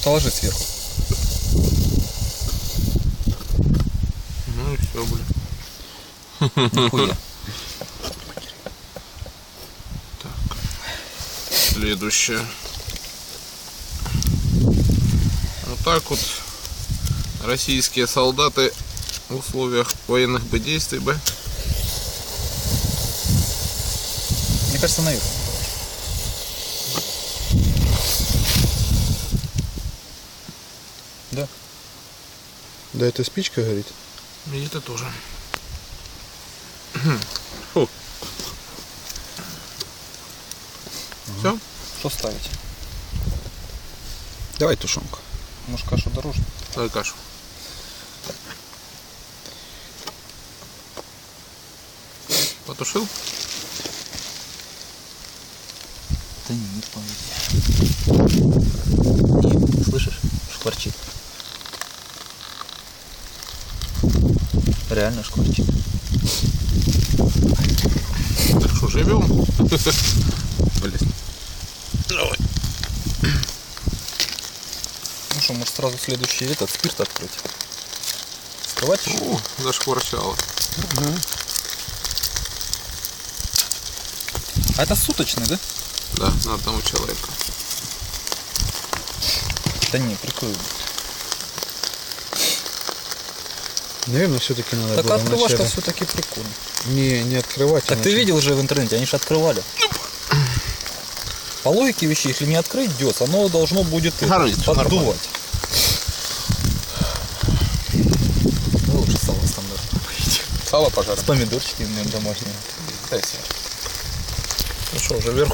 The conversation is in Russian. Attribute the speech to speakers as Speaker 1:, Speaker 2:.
Speaker 1: Положи сверху.
Speaker 2: Ну и все, блин.
Speaker 1: Нихуя.
Speaker 2: Так. Следующее. Вот так вот российские солдаты в условиях военных действий бы.
Speaker 1: Мне кажется, наверх. Да.
Speaker 3: Да, это спичка горит.
Speaker 2: И это тоже. Фу. Все?
Speaker 1: Что ставить?
Speaker 3: Давай тушенку.
Speaker 1: Может, кашу дороже?
Speaker 2: Давай кашу. Потушил?
Speaker 1: Да не помню. Не, слышишь? Шкварчит. Реально шкварчит.
Speaker 2: Так что, живем? Блин. Давай.
Speaker 1: Ну что, может сразу следующий этот спирт открыть? Скрывать?
Speaker 2: О, зашкварчало.
Speaker 1: А это суточный, да?
Speaker 2: Да, на одного человека.
Speaker 1: Да не, прикольно.
Speaker 3: Наверное, все-таки надо
Speaker 1: Так
Speaker 3: было
Speaker 1: открывашка
Speaker 3: вначале
Speaker 1: все-таки прикольно.
Speaker 3: не открывать.
Speaker 1: Так ты видел же в интернете, они же открывали. По логике вещей, если не открыть дёс, оно должно будет
Speaker 2: Горит,
Speaker 1: поддувать. Ну, лучше сало стандартное.
Speaker 2: Сало пожарим.
Speaker 1: С помидорчиками домашними.
Speaker 2: Ну что, уже вверху.